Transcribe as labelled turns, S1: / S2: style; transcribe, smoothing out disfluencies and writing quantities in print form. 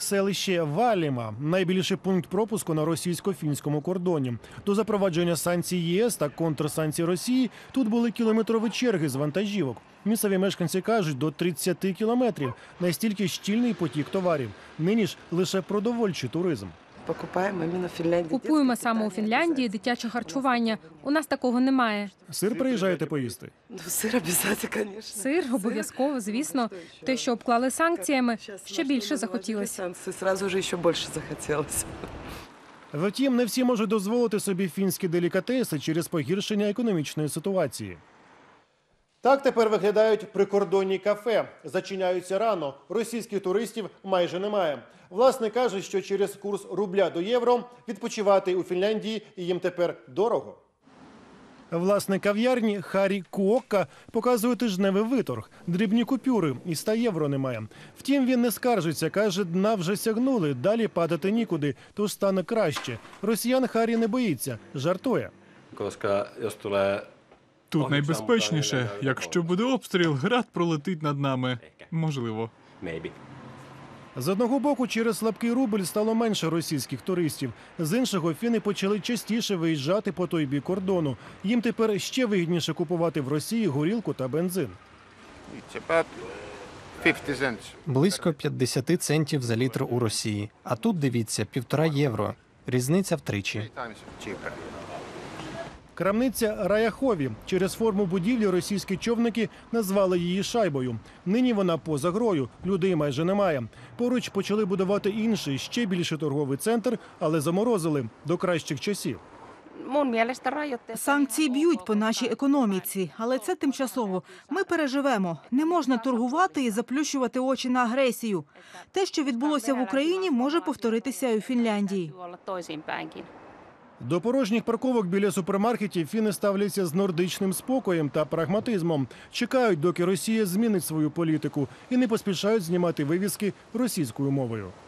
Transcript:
S1: селище Валіма – найбільший пункт пропуску на російсько-фінському кордоні. До запровадження санкцій ЄС та контрсанкцій Росії тут були кілометрові черги з вантажівок. Місцеві мешканці кажуть, до 30 кілометрів. Настільки щільний потік товарів. Нині ж лише продовольчий туризм.
S2: Купуємо саме у Фінляндії дитяче харчування. У нас такого немає.
S1: Сир приїжджаєте поїсти?
S2: Сир обов'язково, звісно. Те, що обклали санкціями, ще більше захотілося.
S1: Втім, не всі можуть дозволити собі фінські делікатеси через погіршення економічної ситуації. Так тепер виглядають прикордонні кафе. Зачиняються рано. Російських туристів майже немає. Власник каже, що через курс рубля до євро відпочивати у Фінляндії їм тепер дорого. Власник кав'ярні Харі Куокка показує тижневий виторг. Дрібні купюри і 100 євро немає. Втім, він не скаржиться. Каже, дна вже сягнули, далі падати нікуди, тож стане краще. Росіян Харі не боїться, жартує.
S3: Тут найбезпечніше. Якщо буде обстріл, град пролетить над нами. Можливо.
S1: З одного боку, через слабкий рубль стало менше російських туристів. З іншого, фіни почали частіше виїжджати по той бік кордону. Їм тепер ще вигідніше купувати в Росії горілку та бензин.
S4: Близько 50 центів за літр у Росії. А тут, дивіться, 1,5 євро. Різниця втричі.
S1: Крамниця Раяхові. Через форму будівлі російські човники назвали її шайбою. Нині вона поза грою, людей майже немає. Поруч почали будувати інший, ще більший торговий центр, але заморозили до кращих часів.
S5: Санкції б'ють по нашій економіці, але це тимчасово. Ми переживемо. Не можна торгувати і заплющувати очі на агресію. Те, що відбулося в Україні, може повторитися і у Фінляндії.
S1: До порожніх парковок біля супермаркетів фіни ставляться з нордичним спокоєм та прагматизмом. Чекають, доки Росія змінить свою політику і не поспішають знімати вивіски російською мовою.